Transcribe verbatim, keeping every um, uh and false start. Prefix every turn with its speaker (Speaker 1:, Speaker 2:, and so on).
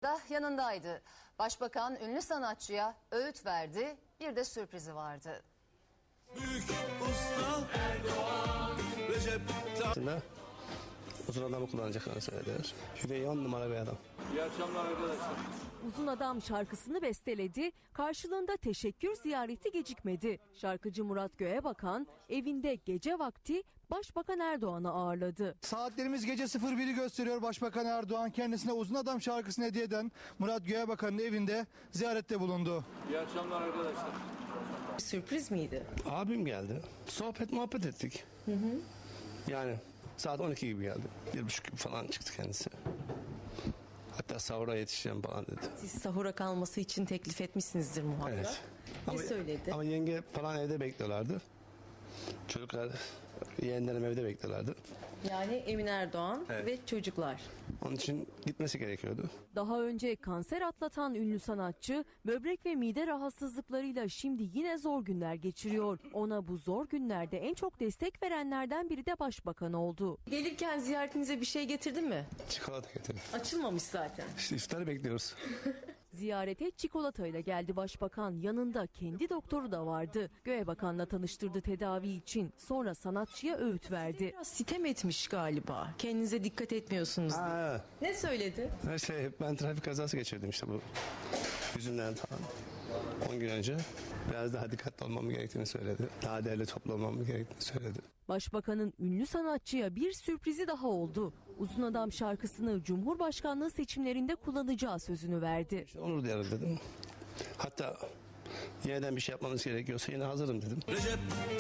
Speaker 1: da yanındaydı. Başbakan ünlü sanatçıya öğüt verdi, bir de sürprizi vardı.
Speaker 2: Büyük usta Erdoğan, Recep
Speaker 3: Tayyip uzun adamı kullanacaklarını söylediler. Hüveyi on numara bir adam.
Speaker 4: İyi akşamlar arkadaşlar.
Speaker 5: Uzun Adam şarkısını besteledi, karşılığında teşekkür ziyareti gecikmedi. Şarkıcı Murat Göğebakan evinde gece vakti Başbakan Erdoğan'ı ağırladı.
Speaker 6: Saatlerimiz gece sıfır biri gösteriyor. Başbakan Erdoğan kendisine Uzun Adam şarkısını hediye eden Murat Göğebakan'ın evinde ziyarette bulundu.
Speaker 4: İyi akşamlar arkadaşlar.
Speaker 5: Sürpriz miydi?
Speaker 3: Abim geldi. Sohbet muhabbet ettik. Hı hı. Yani saat on iki gibi geldi. Bir buçuk gibi falan çıktı kendisi. Hatta sahura yetişeceğim falan dedi.
Speaker 5: Siz sahura kalması için teklif etmişsinizdir muhakkak.
Speaker 3: Evet.
Speaker 5: Ne
Speaker 3: Ama,
Speaker 5: söyledi?
Speaker 3: ama yenge falan evde bekliyorlardı. Çocuklar, yeğenlerim evde bekliyorlardı.
Speaker 5: Yani Emin Erdoğan
Speaker 3: Evet.
Speaker 5: ve çocuklar.
Speaker 3: Onun için gitmesi gerekiyordu.
Speaker 5: Daha önce kanser atlatan ünlü sanatçı böbrek ve mide rahatsızlıklarıyla şimdi yine zor günler geçiriyor. Ona bu zor günlerde en çok destek verenlerden biri de başbakan oldu. Gelirken ziyaretinize bir şey getirdin mi?
Speaker 3: Çikolata getirdim.
Speaker 5: Açılmamış zaten.
Speaker 3: İşte iftarı bekliyoruz.
Speaker 5: Ziyarete çikolatayla geldi başbakan. Yanında kendi doktoru da vardı. Göğebakan'la tanıştırdı tedavi için. Sonra sanatçıya öğüt verdi. Biraz sitem etmiş galiba. Kendinize dikkat etmiyorsunuz.
Speaker 3: Ha,
Speaker 5: Ne söyledi?
Speaker 3: her şey, ben trafik kazası geçirdim işte bu yüzünden falan. on gün önce biraz daha dikkatli olmam gerektiğini söyledi. Daha değerli toplamam gerektiğini söyledi.
Speaker 5: Başbakanın ünlü sanatçıya bir sürprizi daha oldu. Uzun Adam şarkısını Cumhurbaşkanlığı seçimlerinde kullanacağı sözünü verdi.
Speaker 3: İşte onur duyarım dedim. Hatta yeniden bir şey yapmamız gerekiyorsa yine hazırım dedim.
Speaker 2: Recep